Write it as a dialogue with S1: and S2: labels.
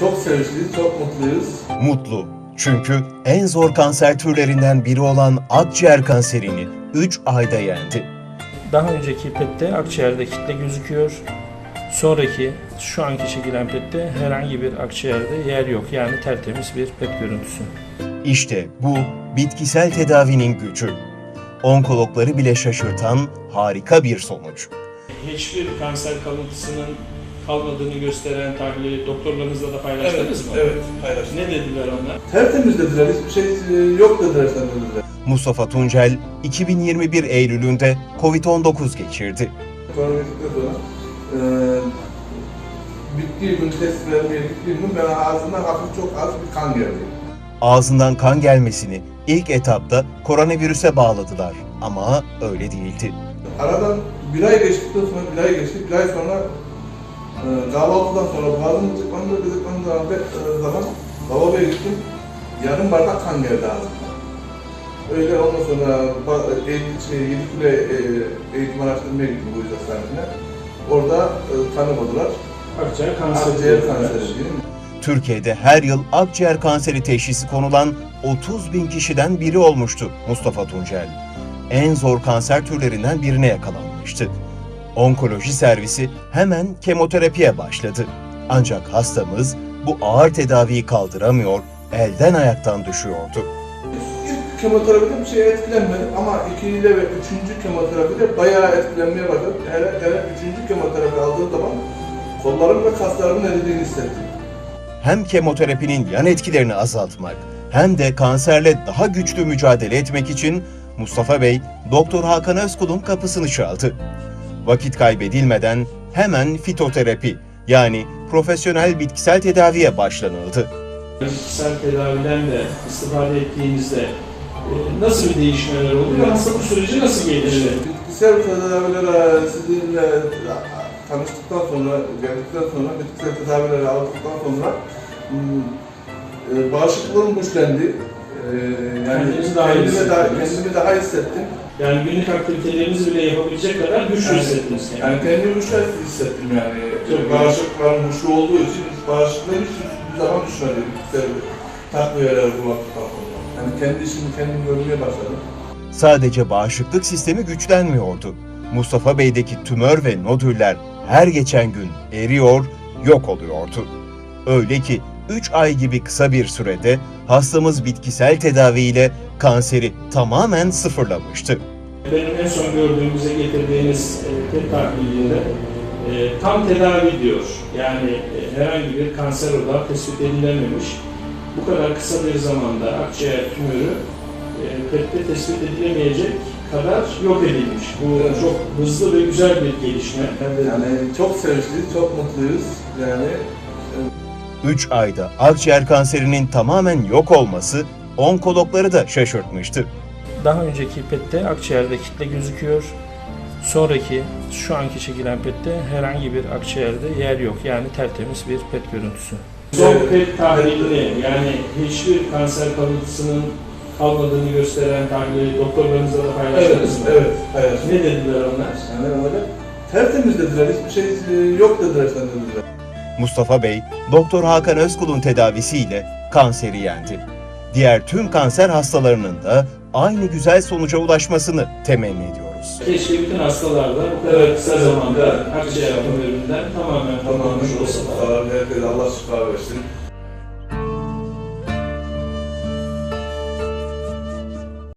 S1: Çok sevinçliyiz, çok mutluyuz.
S2: Mutlu. Çünkü en zor kanser türlerinden biri olan akciğer kanserini 3 ayda yendi.
S3: Daha önceki PET'te akciğerde kitle gözüküyor. Sonraki şu anki çekilen PET'te herhangi bir akciğerde yer yok. Yani tertemiz bir PET görüntüsü.
S2: İşte bu bitkisel tedavinin gücü. Onkologları bile şaşırtan harika bir sonuç.
S3: Hiçbir kanser kalıntısının kalmadığını gösteren tahlili doktorlarınızla da paylaştınız mı?
S1: Evet, paylaştık.
S3: Ne dediler onlar?
S1: Tertemiz dediler, hiçbir şey yok dediler sen dediler.
S2: Mustafa Tuncel 2021 Eylül'ünde Covid-19 geçirdi.
S1: Koronavirüsten sonra bittiği gün, test vermeye gittiğim gün ben ağzımdan hafif çok az bir kan geldi.
S2: Ağzından kan gelmesini ilk etapta koronavirüse bağladılar ama öyle değildi.
S1: Aradan bir ay geçtikten sonra, bir ay sonra kahvaltıdan sonra boğazım gıcıklandığı zaman lavaboya gittim. Yarım bardak kan geldi ağzımdan. Öyle ondan sonra Yedikule eğitim araştırmaya gittim bu yüzden hastanesine. Orada tanımadılar.
S3: Akciğer
S1: Akciğer kanseri diye.
S2: Türkiye'de her yıl akciğer kanseri teşhisi konulan 30.000 kişiden biri olmuştu Mustafa Tuncel. En zor kanser türlerinden birine yakalanmıştı. Onkoloji servisi hemen kemoterapiye başladı. Ancak hastamız bu ağır tedaviyi kaldıramıyor, elden ayaktan düşüyordu.
S1: İlk kemoterapide bir şey etkilenmedim ama 2. ve 3. kemoterapide bayağı etkilenmeye başladım. Hele 3. kemoterapi aldığım zaman kollarım ve kaslarımın eridiğini hissettim.
S2: Hem kemoterapinin yan etkilerini azaltmak hem de kanserle daha güçlü mücadele etmek için Mustafa Bey, Doktor Hakan Özkul'un kapısını çaldı. Vakit kaybedilmeden hemen fitoterapi yani profesyonel bitkisel tedaviye başlanıldı.
S3: Bitkisel tedaviden de istifade ettiğinizde nasıl bir değişmeler oldu ve hastalık süreci nasıl gelişti?
S1: Bitkisel tedavilere sizinle tanıştıktan sonra, geldikten sonra, bitkisel tedavileri aldıktan sonra bağışıklığım güçlendi. Yani kendimi daha hissettim.
S3: Yani günlük aktivitelerinizi bile yapabilecek kadar güçlü hissettiniz kendinizi.
S1: Yani kendimi güçlü hissettim yani. Bağışıklarım güçlü olduğu için bağışıklığı hiçbir zaman düşmedi. Bitkisel takviyeler bu vakıftan sonra. Yani kendi işimi kendim görmeye başladım.
S2: Sadece bağışıklık sistemi güçlenmiyordu. Mustafa Bey'deki tümör ve nodüller her geçen gün eriyor, yok oluyordu. Öyle ki 3 ay gibi kısa bir sürede hastamız bitkisel tedaviyle kanseri tamamen sıfırlamıştı.
S3: Benim en son gördüğümüze getirdiğiniz PET tahlilinde tam tedavi diyor. Yani herhangi bir kanser odağı tespit edilememiş. Bu kadar kısa bir zamanda akciğer tümörü PET'te tespit edilemeyecek kadar yok edilmiş. Bu çok hızlı ve güzel bir gelişme.
S1: Yani çok sevinçliyiz, çok mutluyuz. Yani
S2: 3 ayda akciğer kanserinin tamamen yok olması onkologları da şaşırtmıştı.
S3: Daha önceki PET'te akciğerde kitle gözüküyor. Sonraki şu anki çekilen PET'te herhangi bir akciğerde yer yok. Yani tertemiz bir PET görüntüsü. Son PET tahlilini yani hiçbir kanser kalıntısının kalmadığını gösteren tahlili doktorlarınızla da paylaştınız mı?
S1: evet, paylaştık.
S3: Ne dediler onlar?
S1: Yani öyle tertemiz dediler, hiçbir şey yok dediler sen dediler.
S2: Mustafa Bey, Doktor Hakan Özkul'un tedavisiyle kanseri yendi. Diğer tüm kanser hastalarının da aynı güzel sonuca ulaşmasını temenni ediyoruz.
S3: Keşke bütün hastalar da bu kadar kısa zamanda akciğer tümöründen tamamen kurtulmuş olsalar.
S1: Herkese Allah şifa versin.